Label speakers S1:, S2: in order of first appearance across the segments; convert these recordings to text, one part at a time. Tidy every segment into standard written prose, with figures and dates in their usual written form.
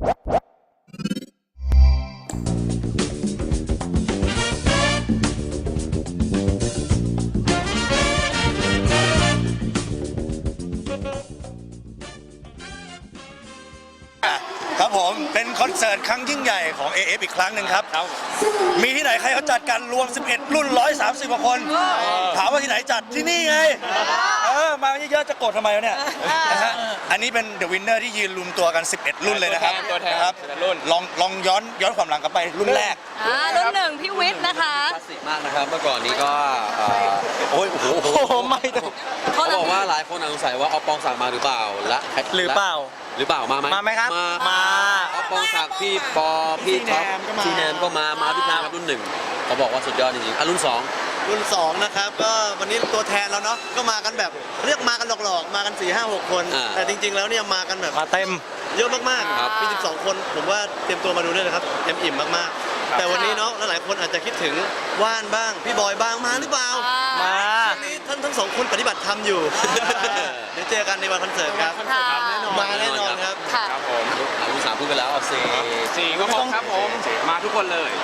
S1: ครับผมเป็นคอนเสิร์ตครั้งยิ่งใหญ่ของ AF อีกครั้งหนึ่งครับมีที่ไหนใครเขาจัดกันรวม11รุ่น130กว่าคนถามว่าที่ไหนจัดที่นี่ไงมาเยอะๆจะโกรธทำไมวะเนี่ยนะฮะอันนี้เป็น The Winner ที่ยืนรวมตัวกัน11รุ่นเลยนะครับ
S2: ตัวแทน
S1: รุ่นลองย้อนความหลังกลับไปรุ่นแรก
S3: รุ่นหนึ่งพี่วิทย์นะคะ
S4: คลาสสิกมากนะครับเมื่อก่อนนี้ก็
S1: โอ้โหไม่ต้อง
S4: เขาบอกว่าหลายคนสงสัยว่าเอาปองศักดิ์มาหรือเปล่าและ
S1: หรือเปล่า
S4: มาไหม
S1: ครับมา
S4: เอาปองศักดิ์พี่ปอพี่ท็อปพี่แนมก็มาพี่แนมครับรุ่นหนึ่งเขาบอกว่าสุดยอดจริงๆรุ่น2
S5: นะครับก็วันนี้ตัวแทนแล้วเนาะก็มากันแบบเรียกมากันหลอกๆมากัน4-5-6 คนแต่จริงๆแล้วเนี่ยมากันแบบ
S1: มาเต็ม
S5: เยอะมากๆมี12 คนผมว่าเตรียมตัวมาดูด้วยนะครับเต็มอิ่มมากๆแต่วันนี้เนาะหลายคนอาจจะคิดถึงว่านบ้างพี่บอยบ้างมาหรือเปล่า
S1: มา
S5: วันนี้ท่านทั้ง2 คนปฏิบัติธรรมอยู่เดี๋ยวเจอกันในวันคอนเสิร์ตครับมาแน่นอนครับ
S2: ครับผม
S4: รุ่น3พูดไปแล้วเอา
S2: สี่ก็ครบครับผมมาทุกคนเลย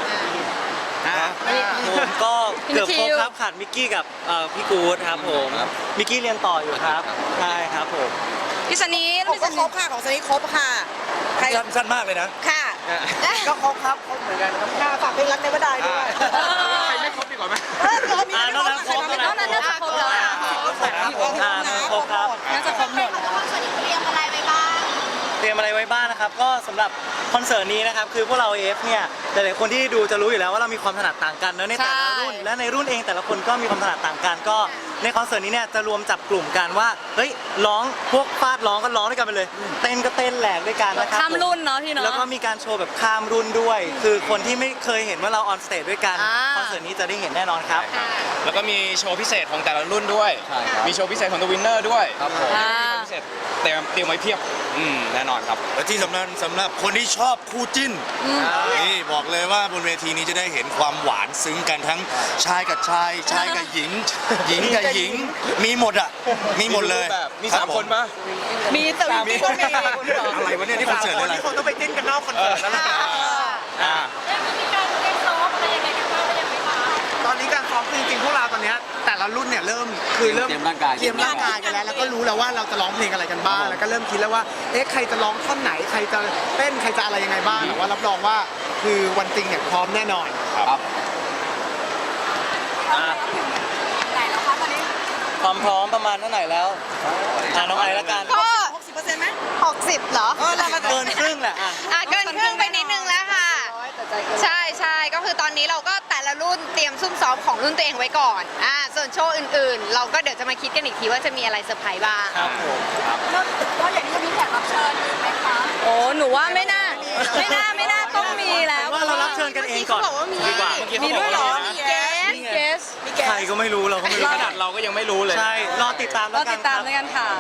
S6: ผมก็เกือบครบครับขาดมิกกี้กับพี่กู๊ดครับผมมิกกี้เรียนต่ออยู่ครับใช่ครับผม
S3: พี่สนี
S7: ผมก็ครบค่ะของสนีครบค่ะ
S1: สั้นมากเลยนะ
S7: ค่ะก็ครบครับครบเหมือนกันครับค่ะฝากเพลงรักในบันไดด้วย
S2: ใครไม่ครบดีกว่าไหม
S7: มีน้องนั้นครบแล้ว
S3: น้องนั้นครบแล้ว
S6: ครบครับ
S3: น่าจะครบหมด
S7: เตรียมอะไรไว้บ้าง
S6: นะครับก็สำหรับคอนเสิร์ตนี้นะครับคือพวกเรา AF เนี่ยหลายๆคนที่ดูจะรู้อยู่แล้วว่าเรามีความถนัดต่างกันเนอะในแต่ละรุ่นและในรุ่นเองแต่ละคนก็มีความถนัดต่างกันก็ในคอนเสิร์ตนี้เนี่ยจะรวมจับกลุ่มกันว่าเฮ้ยร้องพวกฟาดร้องก็ร้องด้วยกันไปเลยเต้นก็เต้นแหลกด้วยกันนะครับ
S3: ข้ามรุ่นเนาะพี่เนาะ
S6: แล้วก็มีการโชว์แบบข้ามรุ่นด้วยคือคนที่ไม่เคยเห็นว่าเราออนสเตจด้วยกันคอนเสิร์ตนี้จะได้เห็นแน่นอนครับ
S2: แล้วก็มีโชว์พิเศษของแต่ละรุ่นด้วยมีโชว์พิเศษของ The Winner ด้วย
S4: ครับผม
S2: พิเศษเตรียมไว้เพียบแน่นอนครับ
S1: และที่สำหรับคนที่ชอบคู่จิ้นนี่บอกเลยว่าบนเวทีนี้จะได้เห็นความหวานซึ้งกันทั้งชายกับชายกับหญิงกับหญิงมีหมดอ่ะมีหมดเลย
S2: มี3 คนปะ
S3: มีแต่มีคนมี
S1: อะไรวะเนี่ยที่คอนเสิร์ตอะไร
S5: คนต้องไปเต้นกันนอกคอนเสิร์ตแล้วล่ะ
S7: ตอนนี้การซ้อมจริงๆพวกเราตอนนี้แต่ละรุ่นเนี่ยเริ่มเตรียมร่างกายกันแล้วก็รู้แล้วว่าเราจะร้องเพลงอะไรกันบ้างแล้วก็เริ่มคิดแล้วว่าใครจะร้องท่อนไหนใครจะเต้นใครจะอะไรยังไงบ้างแต่ว่ารับรองว่าคือวันจริงเนี่ยพร้อมแน่นอน
S2: ครับ
S6: ความพร้อมประมาณเท่าไหร่แล้วน้องไอละกัน
S7: ก็60%ไหม60เหรอ
S6: เกินครึ่งแหละ
S3: เกินครึ่งไปนิดนึงแล้วค่ะใช่ก็คือตอนนี้เราก็แต่ละรุ่นเตรียมซุ่มซ้อมของรุ่นตัวเองไว้ก่อนส่วนโชว์อื่นๆเราก็เดี๋ยวจะมาคิดกันอีกทีว่าจะมีอะไรเซอร์ไพรส์บ้าง
S6: ครับผม
S7: แล้วอย่างนี้จะมีแขกรับเชิญไหมคะ
S3: โอ้หนูว่าไม่น่าต้องมีแล้ว
S6: ว่าเรารับเชิญกันเองก่อน
S3: ดีกว่ามีด้วยเหรอเกส
S6: ใครก็ไม่รู้เราก็ไม่รู้
S2: ขนาดเราก็ยังไม่รู้เลย
S6: ใช่รอติดตามแล้ว
S3: กันค่ะ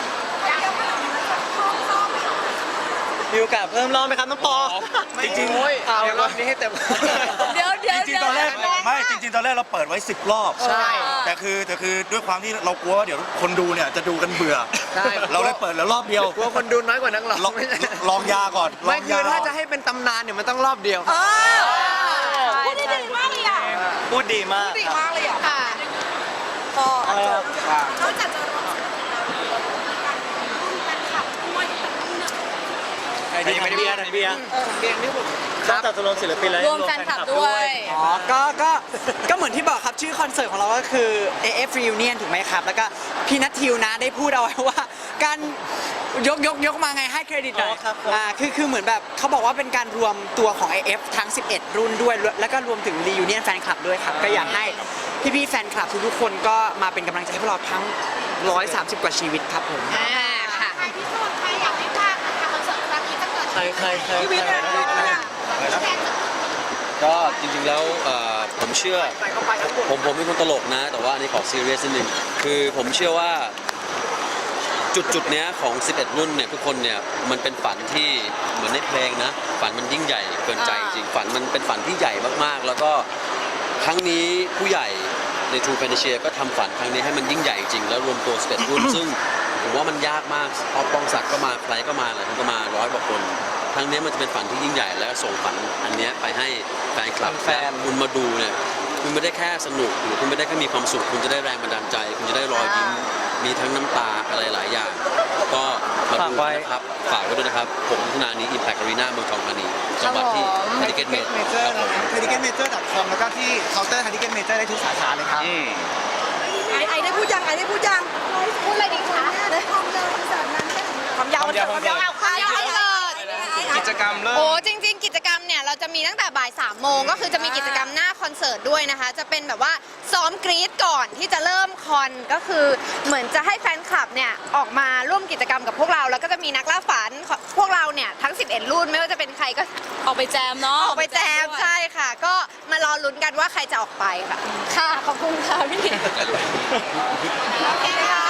S6: มีโอกาสเพิ่มรอบไหมครับน้องปอ
S1: จริงๆ
S5: เอารอบนี้ให้เต็ม
S3: เดี๋ยว
S1: จริงๆตอนแรกเราเปิดไว้10 รอบ
S3: ใช่
S1: แต่คือด้วยความที่เรากลัวว่าเดี๋ยวคนดูเนี่ยจะดูกันเบื่อเราเลยเปิดแล้วรอบเดียว
S5: กลัวคนดูน้อยกว่านักร้อง
S1: ลองยาก่อน
S5: ไม่คือถ้าจะให้เป็นตำนานเนี่ยมันต้องรอบเดียว
S7: พูดดีมากเลยอ่ะ
S6: พูดดีมาก
S7: เลยอ่ะค่ะ
S6: ก็อะไรครับ
S7: นอกจากจะร้องศิลปินแล้วการขับด้วย
S6: ใครดีทันเบียร์
S5: นี่ผม
S6: นอกจากจะรวมศิลปินแล้ว
S3: รวมแฟนคลับด้วย
S7: ก็เหมือนที่บอกครับชื่อคอนเสิร์ตของเราก็คือ AF Reunion ถูกไหมครับแล้วก็พี่นัททิวนะได้พูดเอาไว้ว่าการยกมาไงให้เครดิตหน่อยคือเหมือนแบบเขาบอกว่าเป็นการรวมตัวของ AF ทั้ง11รุ่นด้วยแล้วก็รวมถึง Reunion แฟนคลับด้วยครับก็อยากให้พี่แฟนคลับทุกคนก็มาเป็นกำลังใจให้พวกเราทั้ง130 กว่าชีวิตครับผม
S3: ค่ะ
S7: ใครที่สุดใครอยากให้พลาดนะคะคอนเสิร์ตครั้งนี้ถ้าเกิด
S6: ใคร
S7: พี่วิทย์
S4: ก็จริงๆแล้วผมเชื่อผมเป็นคนตลกนะแต่ว่าอันนี้ขอซีเรียสนิดนึงคือผมเชื่อว่าจุดเนี้ยของ11รุ่นเนี่ยทุกคนเนี่ยมันเป็นฝันที่เหมือนในเพลงนะฝันมันยิ่งใหญ่เกินใจจริงฝันมันเป็นฝันที่ใหญ่มากๆแล้วก็ครั้งนี้ผู้ใหญ่ใน True Fantasia ก็ทำฝันครั้งนี้ให้มันยิ่งใหญ่จริงแล้วรวมตัว11รุ่นซึ่งผมว่ามันยากมากปองศักดิ์ก็มาใครก็มาหลายคนก็มา100 กว่าคนครั้งนี้มันจะเป็นฝันที่ยิ่งใหญ่และส่งฝันอันเนี้ยไปให้แฟนคลับ
S6: แฟน
S4: คุณมาดูเนี่ยคุณไม่ได้แค่สนุกหรือคุณไม่ได้แค่มีความสุขคุณจะได้แรงบันดาลใจ คุณจะได้รอยยิ้มมีทั้งน้ำตาอะไรหลายอย่าง ก็มาดูนะครับฝากไว้ด้วยนะครับผมมิถุนายนนี้ Impact Arena เมืองทองธานีจังหวัดที่ Ticket Major ครับผม
S8: ticketmajor.com แล้วก็ที่เคาน์เตอร์ Ticket Major ได้ทุกสาขาเลยครับ
S9: ไอได้พูดยังพูดอะไรดีคะความยาวเอาความยาว
S2: กิจกรรมเริ่ม
S3: โอ้จริงๆ กิจกรรมเนี่ยเราจะมีตั้งแต่บ่าย3 โมงก็คือจะมีกิจกรรมหน้าคอนเสิร์ตด้วยนะคะ จะเป็นแบบว่าซ้อมกรี๊ดก่อนที่จะเริ่มคอนก็คือเหมือนจะให้แฟนคลับเนี่ยออกมาร่วมกิจกรรมกับพวกเราแล้วก็จะมีนักล่าฝันพวกเราเนี่ยทั้ง11รุ่นไม่ว่าจะเป็นใครก็
S9: ออกไปแจมเนาะ
S3: ออกไปแจมใช่ค่ะ ก็มารอลุ้นกันว่าใครจะออกไปค่ะ ค่ะ ขอบคุณค่ะพี่โอเคค่ะ